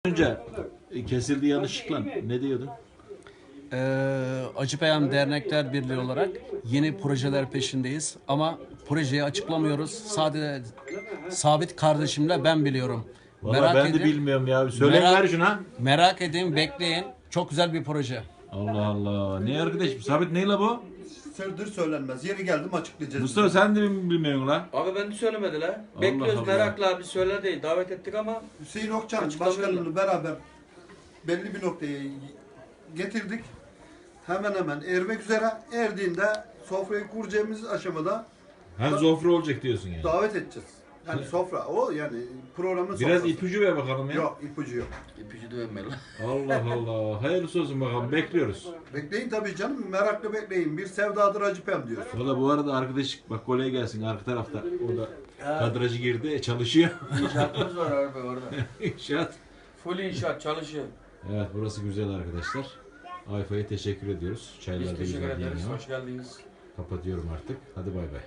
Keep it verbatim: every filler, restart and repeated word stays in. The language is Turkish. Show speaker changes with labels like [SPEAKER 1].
[SPEAKER 1] Önce e, kesildi yanlışlıkla. Ne diyordun?
[SPEAKER 2] Ee, Acıpayam Dernekler Birliği olarak yeni projeler peşindeyiz ama projeyi açıklamıyoruz. Sadece Sabit kardeşimle ben biliyorum.
[SPEAKER 1] Valla ben de
[SPEAKER 2] edin,
[SPEAKER 1] bilmiyorum ya. Söyleyin
[SPEAKER 2] merak-
[SPEAKER 1] ver şuna.
[SPEAKER 2] Merak edin, bekleyin. Çok güzel bir proje.
[SPEAKER 1] Allah Allah. Ne arkadaşım? Sabit neyle bu?
[SPEAKER 3] Sırdır söylenmez. Yeri geldim açıklayacağız.
[SPEAKER 1] Mustafa sen de mi bilmiyorsun la?
[SPEAKER 4] Abi ben de söylemediler.
[SPEAKER 1] Allah
[SPEAKER 4] Bekliyoruz
[SPEAKER 1] Allah.
[SPEAKER 4] merakla abi söyler değil. Davet ettik ama
[SPEAKER 3] Hüseyin Okçan
[SPEAKER 4] Açıklamıyorlar.
[SPEAKER 3] başkanını beraber belli bir noktaya getirdik. Hemen hemen ermek üzere. Erdiğinde sofrayı kuracağımız aşamada
[SPEAKER 1] Hem zofre olacak diyorsun yani.
[SPEAKER 3] davet edeceğiz. Yani sofra o yani programın
[SPEAKER 1] Biraz
[SPEAKER 3] sofrası.
[SPEAKER 1] ipucu ver bakalım ya.
[SPEAKER 3] Yok ipucu yok.
[SPEAKER 4] ipucu dövmeli.
[SPEAKER 1] Allah Allah. Hayırlısı olsun bakalım. Bekliyoruz.
[SPEAKER 3] Bekleyin tabii canım merakla bekleyin. Bir sevdadır Acıpem diyor.
[SPEAKER 1] Valla bu arada arkadaş bak kolay gelsin arka tarafta. Orada kadrajı girdi. e, Çalışıyor.
[SPEAKER 4] İnşaatımız var abi orada.
[SPEAKER 1] İnşaat.
[SPEAKER 4] Full inşaat çalışıyor.
[SPEAKER 1] Evet burası güzel arkadaşlar. Ayfa'ya teşekkür ediyoruz.
[SPEAKER 4] Biz
[SPEAKER 1] Çaylar da
[SPEAKER 4] teşekkür
[SPEAKER 1] güzel
[SPEAKER 4] ederiz.
[SPEAKER 1] geliyor.
[SPEAKER 4] Hoş geldiniz.
[SPEAKER 1] Kapatıyorum artık. Hadi bay bay.